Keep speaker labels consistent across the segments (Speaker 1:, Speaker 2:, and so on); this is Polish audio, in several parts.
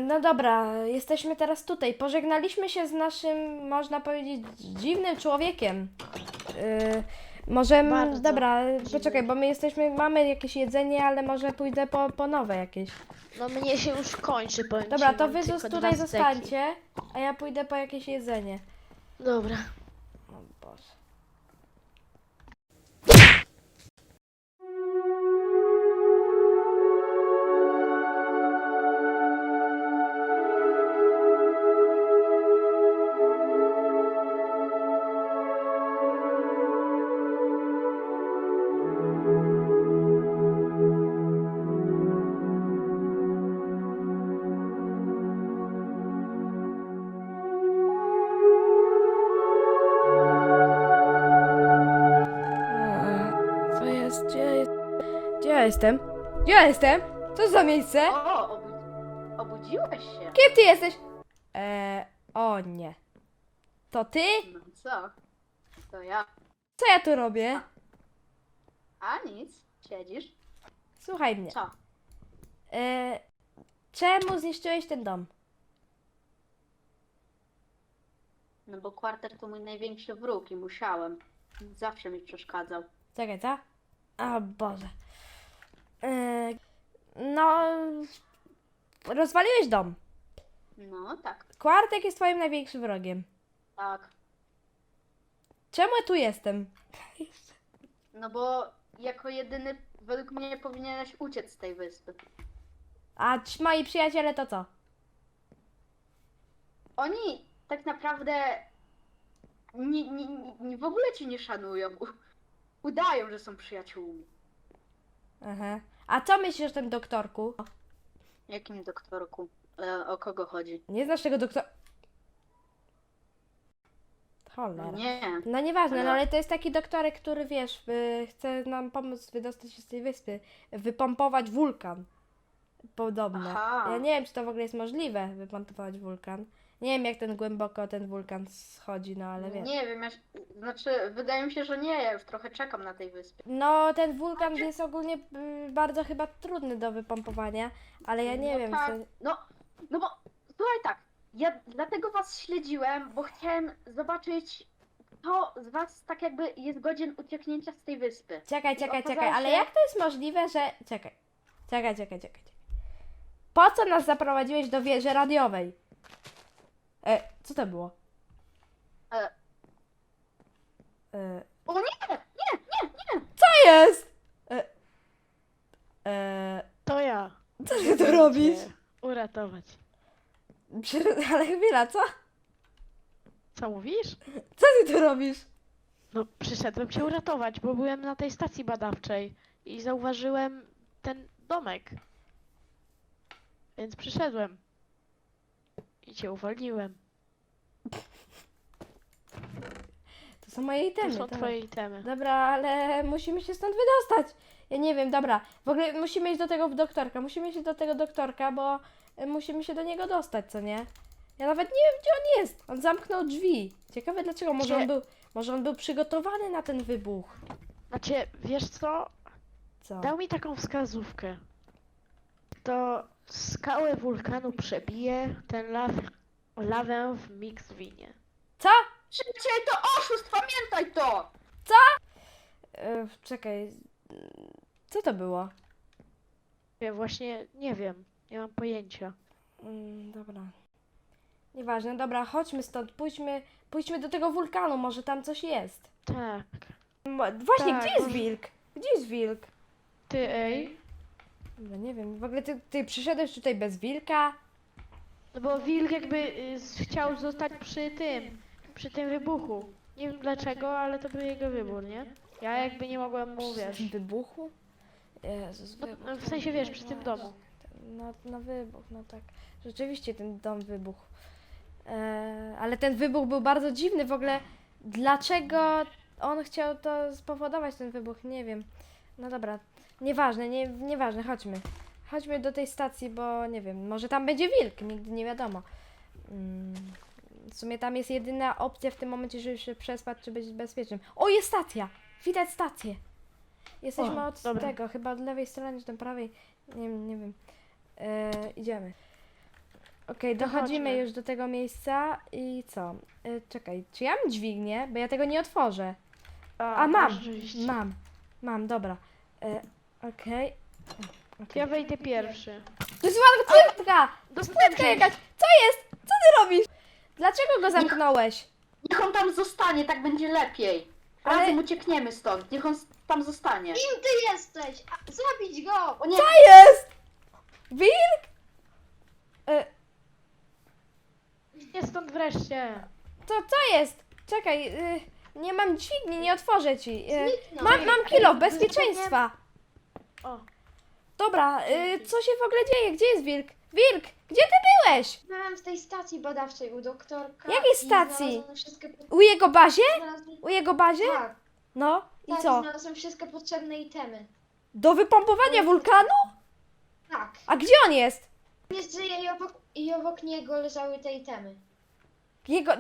Speaker 1: No dobra, jesteśmy teraz tutaj. Pożegnaliśmy się z naszym, można powiedzieć, dziwnym człowiekiem. Może,
Speaker 2: Bardzo
Speaker 1: dobra,
Speaker 2: dziwny.
Speaker 1: poczekaj, bo my mamy jakieś jedzenie, ale może pójdę po nowe jakieś.
Speaker 2: No mnie się już kończy, powiem
Speaker 1: Dobra,
Speaker 2: ci,
Speaker 1: to
Speaker 2: mam
Speaker 1: wy
Speaker 2: tylko
Speaker 1: tutaj
Speaker 2: 2 steki.
Speaker 1: zostańcie, a ja pójdę po jakieś jedzenie.
Speaker 2: Dobra.
Speaker 1: O Boże. Co jest? Gdzie ja jestem? Gdzie ja jestem? Co to za miejsce?
Speaker 3: O, obudziłeś się.
Speaker 1: Kim ty jesteś? O nie. To ty?
Speaker 3: No co? To ja.
Speaker 1: Co ja tu robię?
Speaker 3: A nic, siedzisz.
Speaker 1: Słuchaj mnie.
Speaker 3: Co?
Speaker 1: Czemu zniszczyłeś ten dom?
Speaker 3: No bo kwarter to mój największy wróg i musiałem. Zawsze mi przeszkadzał.
Speaker 1: Czekaj, co? O Boże. No... Rozwaliłeś dom.
Speaker 3: No tak,
Speaker 1: Kwartek jest twoim największym wrogiem.
Speaker 3: tak.
Speaker 1: Czemu ja tu jestem?
Speaker 3: No bo jako jedyny według mnie powinieneś uciec z tej wyspy.
Speaker 1: A moi przyjaciele to co?
Speaker 3: Oni tak naprawdę w ogóle cię nie szanują. Udają, że są przyjaciółmi.
Speaker 1: Aha. A co myślisz o tym doktorku?
Speaker 3: Jakim doktorku? O kogo chodzi?
Speaker 1: Nie znasz tego doktora? Cholera.
Speaker 3: Nie.
Speaker 1: No nieważne, no
Speaker 3: Ale-
Speaker 1: ale to jest taki doktorek, który wiesz, chce nam pomóc wydostać się z tej wyspy, wypompować wulkan. Podobno.
Speaker 3: Aha.
Speaker 1: Ja nie wiem, czy to w ogóle jest możliwe, wypompować wulkan. Nie wiem, jak ten głęboko ten wulkan schodzi, no ale wiem.
Speaker 3: Nie wiem, znaczy wydaje mi się, że nie, ja już trochę czekam na tej wyspie.
Speaker 1: No, ten wulkan jest ogólnie bardzo chyba trudny do wypompowania, ale ja nie
Speaker 3: No
Speaker 1: wiem,
Speaker 3: tak.
Speaker 1: co...
Speaker 3: No bo słuchaj tak, ja dlatego was śledziłem, bo chciałem zobaczyć, kto z was tak jakby jest godzien ucieknięcia z tej wyspy.
Speaker 1: Czekaj,
Speaker 3: I okazało
Speaker 1: ale
Speaker 3: się-
Speaker 1: jak to jest możliwe, że... Czekaj. Po co nas zaprowadziłeś do wieży radiowej? Co to było?
Speaker 3: E. O nie!
Speaker 1: Co jest?
Speaker 2: To ja.
Speaker 1: Co ty tu robisz?
Speaker 2: Cię uratować.
Speaker 1: Ale chwila, co?
Speaker 2: Co mówisz?
Speaker 1: Co ty tu robisz?
Speaker 2: No przyszedłem cię uratować, bo byłem na tej stacji badawczej i zauważyłem ten domek. Więc przyszedłem. I cię uwolniłem.
Speaker 1: To są moje itemy.
Speaker 2: To są
Speaker 1: dobra.
Speaker 2: twoje itemy.
Speaker 1: Dobra, ale musimy się stąd wydostać. Ja nie wiem, dobra. W ogóle musimy iść do tego doktorka. Musimy iść do tego doktorka, bo musimy się do niego dostać, co nie? Ja nawet nie wiem, gdzie on jest. On zamknął drzwi. Ciekawe dlaczego. Może on był przygotowany na ten wybuch.
Speaker 2: Znaczy, wiesz co?
Speaker 1: Co?
Speaker 2: Dał mi taką wskazówkę. To skałę wulkanu przebije ten lawę w Mixwinie.
Speaker 1: Co?
Speaker 3: Szybciej, to oszust, pamiętaj to!
Speaker 1: Czekaj. Co to było?
Speaker 2: Ja właśnie nie wiem. Nie mam pojęcia.
Speaker 1: Dobra. Nieważne, dobra, chodźmy stąd. Pójdźmy do tego wulkanu, może tam coś jest.
Speaker 2: Tak.
Speaker 1: Właśnie,
Speaker 2: Tak,
Speaker 1: gdzie jest
Speaker 2: może-
Speaker 1: wilk? Gdzie jest wilk?
Speaker 2: Ty, ej.
Speaker 1: No nie wiem, w ogóle ty przyszedłeś tutaj bez wilka?
Speaker 2: No bo wilk jakby chciał zostać przy tym wybuchu. Nie wiem dlaczego, ale to był jego wybór, nie? Ja jakby nie mogłem mu, wiesz.
Speaker 1: Wybuchu? Jezus,
Speaker 2: No,
Speaker 1: wybuch.
Speaker 2: no w sensie, wiesz, przy tym domu.
Speaker 1: No wybuch, no tak. Rzeczywiście ten dom wybuchł. Ale ten wybuch był bardzo dziwny w ogóle. Dlaczego on chciał to spowodować, ten wybuch? Nie wiem. No dobra, nieważne, nieważne, chodźmy. Chodźmy do tej stacji, bo nie wiem, może tam będzie wilk, nigdy nie wiadomo. W sumie tam jest jedyna opcja w tym momencie, żeby się przespać, czy być bezpiecznym. O, jest stacja! Widać stację! Jesteśmy
Speaker 2: O,
Speaker 1: od
Speaker 2: dobra.
Speaker 1: tego, chyba od lewej strony, czy tam prawej. Nie wiem. Idziemy. Okej,
Speaker 2: To
Speaker 1: dochodzimy
Speaker 2: chodźmy.
Speaker 1: już do tego miejsca i co? Czekaj, czy ja mam dźwignię? Bo ja tego nie otworzę. A, mam!
Speaker 2: masz rzeczywiście.
Speaker 1: Mam, dobra. Okej.
Speaker 2: Ja wejdę pierwszy.
Speaker 1: To jest ładowarka!
Speaker 2: Dostałem
Speaker 1: Płytka jakaś! Co jest? Co ty robisz? Dlaczego go zamknąłeś?
Speaker 3: Niech on tam zostanie, tak będzie lepiej.
Speaker 1: Ale-
Speaker 3: Razem uciekniemy stąd, niech on tam zostanie.
Speaker 4: Kim ty jesteś? Zabić go!
Speaker 3: O nie,
Speaker 1: Co jest? Wilk?
Speaker 2: Nie stąd wreszcie.
Speaker 1: To co jest? Czekaj, nie mam dźwigni, nie otworzę ci.
Speaker 4: Zniknął.
Speaker 1: Mam kilo bezpieczeństwa.
Speaker 2: O,
Speaker 1: Dobra, co się w ogóle dzieje? Gdzie jest wilk? Wilk, gdzie ty byłeś?
Speaker 4: Byłem w tej stacji badawczej u doktorka.
Speaker 1: Jakiej
Speaker 4: i
Speaker 1: stacji?
Speaker 4: znalazłem wszystkie
Speaker 1: U jego bazie?
Speaker 4: znalazłem...
Speaker 1: U jego bazie?
Speaker 4: Tak,
Speaker 1: No i
Speaker 4: tak,
Speaker 1: co?
Speaker 4: znalazłem wszystkie potrzebne itemy.
Speaker 1: Do wypompowania wulkanu?
Speaker 4: Tak.
Speaker 1: A gdzie on jest?
Speaker 4: Nie żyje i obok niego leżały te itemy.
Speaker 1: Jego...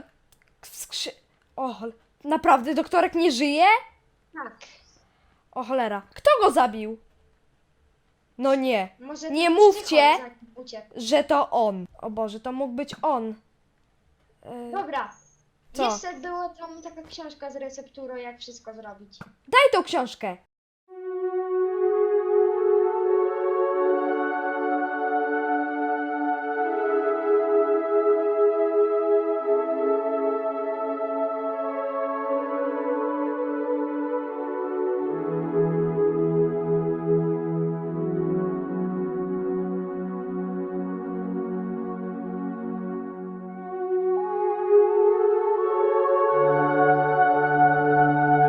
Speaker 1: naprawdę doktorek nie żyje?
Speaker 4: Tak.
Speaker 1: O cholera, kto go zabił? No nie,
Speaker 4: Może
Speaker 1: Nie
Speaker 4: ten
Speaker 1: mówcie.
Speaker 4: psychol za nim uciekł.
Speaker 1: że to on. O Boże, to mógł być on.
Speaker 4: Dobra.
Speaker 1: Co?
Speaker 4: Jeszcze była tam taka książka z recepturą, jak wszystko zrobić.
Speaker 1: Daj tą książkę.